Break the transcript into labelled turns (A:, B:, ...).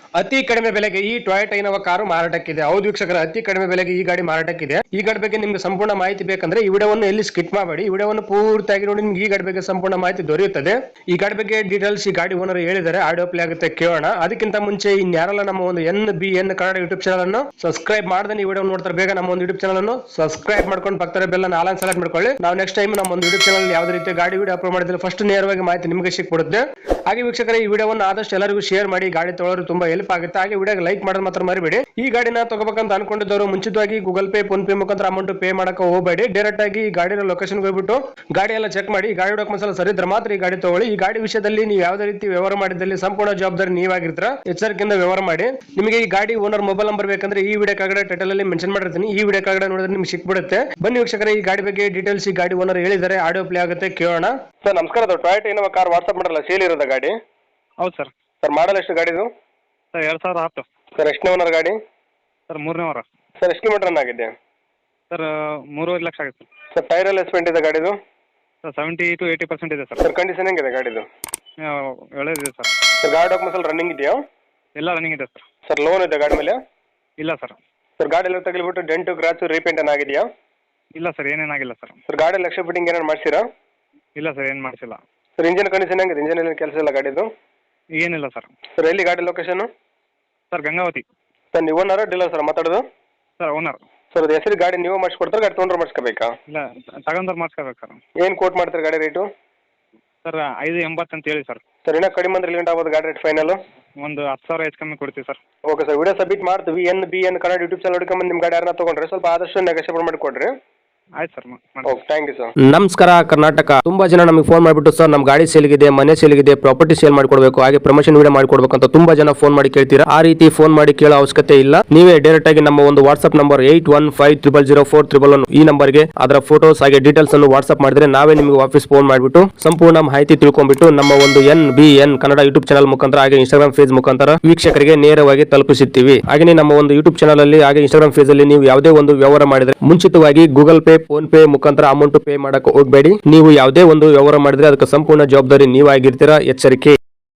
A: ಅತಿ ಕಡಿಮೆ ಬೆಲೆಗೆ ಈ ಟೊಯೋಟಾ ಇನೋವಾ ಕಾರು ಮಾರಾಟಕ್ಕಿದೆ. ಹೌದು ವೀಕ್ಷಕರ, ಅತಿ ಕಡಿಮೆ ಬೆಲೆಗೆ ಈ ಗಾಡಿ ಮಾರಾಟಕ್ಕಿದೆ. ಈ ಗಾಡಿ ಬಗ್ಗೆ ನಿಮ್ಗೆ ಸಂಪೂರ್ಣ ಮಾಹಿತಿ ಬೇಕಂದ್ರೆ ಈ ವಿಡಿಯೋವನ್ನು ಎಲ್ಲಿ ಸ್ಕಿಪ್ ಮಾಡಬೇಡಿ, ಈ ವಿಡಿಯೋವನ್ನು ಪೂರ್ತಿಯಾಗಿ ನೋಡಿ. ನಿಮ್ಗೆ ಈ ಗಾಡಿ ಬಗ್ಗೆ ಸಂಪೂರ್ಣ ಮಾಹಿತಿ ದೊರೆಯುತ್ತದೆ. ಈ ಗಾಡಿ ಬಗ್ಗೆ ಡೀಟೇಲ್ಸ್ ಈ ಗಾಡಿ ಓನರ್ ಹೇಳಿದ್ದಾರೆ, ಆಡಿಯೋ ಪ್ಲೇ ಆಗುತ್ತೆ, ಕೇಳೋಣ. ಅದಕ್ಕಿಂತ ಮುಂಚೆ ಇನ್ಯಾರಲ್ಲ ನಮ್ಮ ಒಂದು NBN ಕನ್ನಡ ಯೂಟ್ಯೂಬ್ ಚಾನಲ್ ಅನ್ನು ಸಬ್ಸ್ಕ್ರೈಬ್ ಮಾಡದೆ ಈ ವಿಡಿಯೋ ನೋಡ್ತಾರೆ, ಬೇಗ ನಮ್ಮ ಒಂದು ಯೂಟ್ಯೂಬ್ ಚಾನಲ್ ಅನ್ನು ಸಬ್ಸ್ಕ್ರೈಬ್ ಮಾಡ್ಕೊಂಡು ಪಕ್ಕದ ಬೆಲ್ ಅನ್ನು ಆಲ್ ಸೆಲೆಕ್ಟ್ ಮಾಡ್ಕೊಳ್ಳಿ. ನಾವು ನೆಕ್ಸ್ಟ್ ಟೈಮ್ ನಮ್ಮ ಒಂದು ಯೂಟ್ಯೂಬ್ ಚಾನಲ್ ಯಾವುದೇ ರೀತಿ ಗಾಡಿ ವಿಡಿಯೋ ಅಪ್ಲೋಡ್ ಮಾಡಿದ್ರೆ ಫಸ್ಟ್ ನೇರವಾಗಿ ಮಾಹಿತಿ ನಿಮಗೆ ಸಿಕ್ಬಿಡುತ್ತೆ. ಹಾಗೆ ವೀಕ್ಷಕರ, ಈ ವಿಡಿಯೋವನ್ನು ಆದಷ್ಟು ಎಲ್ಲರಿಗೂ ಶೇರ್ ಮಾಡಿ, ಗಾಡಿ ತೊಗೊಳ್ಳೋರು ತುಂಬಾ ಹೆಲ್ಪ್ ಆಗುತ್ತೆ. ಹಾಗೆ ವಿಡಿಯೋ ಲೈಕ್ ಮಾಡೋದು ಮಾತ್ರ ಮರಿಬೇಡಿ. ಈ ಗಾಡಿನ ತಗೋಬೇಕಂತ ಅನ್ಕೊಂಡಿದ್ದವರು ಮುಂಚಿತವಾಗಿ ಗೂಗಲ್ ಪೇ, ಫೋನ್ ಪೇ ಮುಖಾಂತರ ಅಮೌಂಟ್ ಪೇ ಮಾಡಕ್ಕೆ ಹೋಗಬೇಡಿ. ಡೈರೆಕ್ಟ್ ಆಗಿ ಈ ಗಾಡಿನ ಲೊಕೇಶನ್ ಹೋಗ್ಬಿಟ್ಟು ಗಾಡಿ ಎಲ್ಲ ಚೆಕ್ ಮಾಡಿ, ಗಾಡಿ ಡಾಕ್ಯುಮೆಂಟ್ಸ್ ಎಲ್ಲ ಸರಿ ಇದ್ರೆ ಮಾತ್ರ ಈ ಗಾಡಿ ತಗೊಳ್ಳಿ. ಈ ಗಾಡಿ ವಿಷಯದಲ್ಲಿ ನೀವು ಯಾವುದೇ ರೀತಿ ವ್ಯವಹಾರ ಮಾಡಿದಲ್ಲಿ ಸಂಪೂರ್ಣ ಜವಾಬ್ದಾರಿ ನೀವಾಗಿರ್ತೀರ, ಎಚ್ಚರಿಕೆಯಿಂದ ವ್ಯವಹಾರ ಮಾಡಿ. ನಿಮಗೆ ಈ ಗಾಡಿ ಓನರ್ ಮೊಬೈಲ್ ನಂಬರ್ ಬೇಕಂದ್ರೆ ಈ ವಿಡಿಯೋ ಕೆಳಗಡೆ ಟೈಟಲ್ ಅಲ್ಲಿ ಮೆನ್ಷನ್ ಮಾಡಿರ್ತೀನಿ, ಈ ವಿಡಿಯೋ ಕೆಳಗಡೆ ನೋಡಿದ್ರೆ ನಿಮ್ಗೆ ಸಿಕ್ಬಿಡುತ್ತೆ. ಬನ್ನಿ ವೀಕ್ಷಕರೇ, ಈ ಗಾಡಿ ಬಗ್ಗೆ ಡೀಟೇಲ್ಸ್ ಈ ಗಾಡಿ ಓನರ್ ಹೇಳಿದ್ದಾರೆ, ಆಡಿಯೋ ಪ್ಲೇ ಆಗುತ್ತೆ, ಕೇಳೋಣ. ಸರ್ ನಮಸ್ಕಾರ, ಟೊಯೋಟಾ ಇನೋವಾ ಕಾರ್ ವಾಟ್ಸ್ಆಪ್ ಮಾಡಲ್ಲ, ಸೇಲ್ ಇರೋದ ಗಾಡಿ?
B: ಹೌದು ಸರ್.
A: ಸರ್ ಮಾಡಲ್ ಎಷ್ಟು ಗಾಡಿದು?
B: ಸರ್ 2010.
A: ಸರ್ ಎಷ್ಟನೇ ಓನರ್ ಗಾಡಿ?
B: ಸರ್ 3ನೇ ವಾರ.
A: ಸರ್ ಎಷ್ಟು ಕಿಲೋಮೀಟರ್ ರನ್ ಆಗಿದೆ?
B: ಸರ್ 3.5 ಲಕ್ಷ ಆಗುತ್ತೆ
A: ಸರ್ ಟೈರ್ ಎಲ್ಲ ಎಸ್ಪೆಂಟ್ ಇದೆ ಗಾಡಿದು?
B: ಸರ್ 70 to 80% ಇದೆ ಸರ್.
A: ಸರ್ ಕಂಡೀಷನ್ ಹೆಂಗಿದೆ ಗಾಡಿದು?
B: ಒಳ್ಳೆಯದಿದೆ ಸರ್.
A: ಸರ್ ಗಾಡಿ ಡಾಕ್ಯುಮೆಂಟ್ಸ್ ಎಲ್ಲ ರನ್ನಿಂಗ್ ಇದೆಯಾ?
B: ಎಲ್ಲ ರನ್ನಿಂಗ್ ಇದೆ ಸರ್.
A: ಸರ್ ಲೋನ್ ಇದೆ ಗಾಡಿ ಮೇಲೆ?
B: ಇಲ್ಲ ಸರ್.
A: ಸರ್ ಗಾಡಿ ಎಲ್ಲ ತಗಲಿಬಿಟ್ಟು ಡೆಂಟು ಕ್ರಾಚು ರೀಪೇಂಟ್ ಏನಾಗಿದೆಯಾ?
B: ಇಲ್ಲ ಸರ್, ಏನೇನಾಗಿಲ್ಲ ಸರ್.
A: ಸರ್ ಗಾಡಿ ಲಕ್ಷ ಫಿಟ್ಟಿಂಗ್ ಏನಾರು ಮಾಡಿಸಿರಾ?
B: ಇಲ್ಲ ಸರ್, ಏನು ಮಾಡಿಸಿಲ್ಲ.
A: ಸರ್ ಇಂಜಿನ್ ಕಂಡೀಷನ್ ಹೆಂಗಿದೆ? ಇಂಜಿನ್ ಏನು ಕೆಲಸ ಇಲ್ಲ ಗಾಡಿದು?
B: ಏನಿಲ್ಲ ಸರ್.
A: ಸರ್ ಎಲ್ಲಿ ಗಾಡಿ ಲೊಕೇಶನ್?
B: ಸರ್ ಗಂಗಾವತಿ.
A: ಸರ್ ನೀವು ಓನರ್ ಡೀಲರ್ ಸರ್ ಮಾತಾಡೋದು?
B: Sir owner.
A: ಸರ್ ಅದು ಹೆಸರು ಗಾಡಿ ನೀವು ಮಾಡಿಸ್ಕೊಡ್ತಾರೆ, ಗಾಡಿ ತೊಗೊಂಡ್ರೆ ಮಾಡಿಸ್ಕೋಬೇಕಾ?
B: ಇಲ್ಲ, ತಗೊಂಡ್ರೆ ಮಾಡಿಸ್ಕೋಬೇಕು ಸರ್.
A: ಏನು ಕೋಟ್ ಮಾಡ್ತಾರೆ ಗಾಡಿ ರೇಟು?
B: ಸರ್ 5.80 ಅಂತ ಹೇಳಿ ಸರ್.
A: ಸರ್ ಇನ್ನೂ ಕಡಿಮೆ ಅಂದ್ರೆ ಲಿಮಿಟ್ ಆಗ್ಬೋದು ಗಾಡಿ ರೇಟ್ ಫೈನಲ್?
B: ಒಂದು 10,000 ಹೆಚ್ಚು ಕಮ್ಮಿ ಕೊಡ್ತೀವಿ sir.
A: Okay sir, video submit ಮಾಡ್ತೀವಿ. NBN ಕನ್ನಡ ಯೂಟ್ಯೂಬ್ ಚಾನಲ್ ಹುಡ್ಕೊಂಬಂದು ನಿಮ್ಮ ಗಾಡಿ ಯಾರನ್ನ ತೊಗೊಂಡ್ರೆ ಸ್ವಲ್ಪ ಆದಷ್ಟು ನೆಗೋಷಿಯೇಟ್ ಮಾಡಿಕೊಡ್ರಿ.
B: ಆಯ್ತು sir.
A: Okay, thank you sir.
C: ನಮಸ್ಕಾರ ಕರ್ನಾಟಕ. ತುಂಬಾ ಜನ ನಮಗೆ ಫೋನ್ ಮಾಡಿಬಿಟ್ಟು ಸರ್ ನಮ್ಮ ಗಾಡಿ ಸೇಲ್ಗಿದೆ, ಮನೆ ಸೇಲ್ಗಿದೆ, ಪ್ರಾಪರ್ಟಿ ಸೇಲ್ ಮಾಡ್ಕೊಡ್ಬೇಕು, ಹಾಗೆ ಪ್ರಮೋಷನ್ ವಿಡಿಯೋ ಮಾಡ್ಕೊಡ್ಬೇಕು ಅಂತ ತುಂಬಾ ಜನ ಫೋನ್ ಮಾಡಿ ಕೇಳ್ತೀರಾ. ಆ ರೀತಿ ಫೋನ್ ಮಾಡಿ ಕೇಳೋ ಅವಶ್ಯಕತೆ ಇಲ್ಲ. ನೀವೇ ಡೈರೆಕ್ಟ್ ಆಗಿ ನಮ್ಮ ಒಂದು ವಾಟ್ಸ್ಆಪ್ ನಂಬರ್ 81500411 ಈ ನಂಬರ್ಗೆ ಅದರ ಫೋಟೋಸ್ ಹಾಗೆ ಡೀಟೇಲ್ಸ್ ಅನ್ನು ವಾಟ್ಸ್ಆಪ್ ಮಾಡಿದ್ರೆ ನಾವೇ ನಿಮಗೆ ವಾಪಸ್ ಫೋನ್ ಮಾಡಿಬಿಟ್ಟು ಸಂಪೂರ್ಣ ಮಾಹಿತಿ ತಿಳ್ಕೊಂಡ್ಬಿಟ್ಟು ನಮ್ಮ ಒಂದು NBN ಕನ್ನಡ ಯೂಟ್ಯೂಬ್ ಚಾನಲ್ ಮುಖಾಂತರ ಹಾಗೆ ಇನ್ಸ್ಟಾಗ್ರಾಮ್ ಪೇಜ್ ಮುಖಾಂತರ ವೀಕ್ಷಕರಿಗೆ ನೇರವಾಗಿ ತಲುಪಿಸುತ್ತೀವಿ. ಹಾಗೆ ನಮ್ಮ ಒಂದು ಯೂಟ್ಯೂಬ್ ಚಾನಲ್ ಅಲ್ಲಿ ಹಾಗೆ ಇನ್ಸ್ಟಾಗ್ರಾಮ್ ಪೇಜ್ ಅಲ್ಲಿ ನೀವು ಯಾವುದೇ ಒಂದು ವ್ಯವಹಾರ ಮಾಡಿದ್ರೆ ಮುಂಚಿತವಾಗಿ ಗೂಗಲ್ ಪೇ, ಫೋನ್ ಪೇ ಮುಖಾಂತರ ಅಮೌಂಟ್ ಪೇ ಮಾಡಕ್ಕೆ ಹೋಗಬೇಡಿ. ನೀವು ಯಾವುದೇ ಒಂದು ವ್ಯವಹಾರ ಮಾಡಿದ್ರೆ ಅದಕ್ಕೆ ಸಂಪೂರ್ಣ ಜವಾಬ್ದಾರಿ ನೀವಾಗಿರ್ತೀರಾ, ಎಚ್ಚರಿಕೆ.